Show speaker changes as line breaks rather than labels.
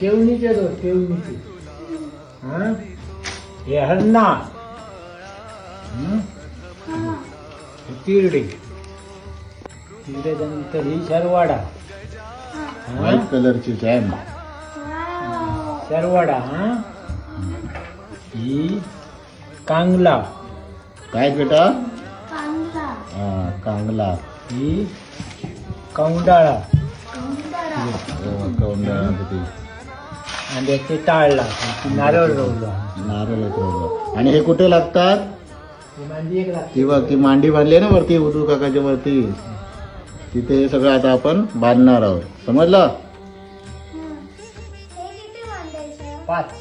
केवणीचे दोन केवणीचे. हा हे हरणा. तिरडे तिरड्यानंतर ही शरवाडा.
व्हाईट कलरची चॅम.
शरवाडा. हा ही कांगला.
काय बेटा? हा कांगला.
ही कौंडाळा.
कौंडाळा किती
आणि त्याचे टाळला नारळ रोवला.
नारळ उतरवलं. आणि हे कुठे लागतात?
ही मांदी एक लागते.
ती बघ ती मांडी बांधली आहे ना वरती उदू काकाच्या वरती. तिथे हे सगळं आता आपण बांधणार आहोत. समजलं?
5.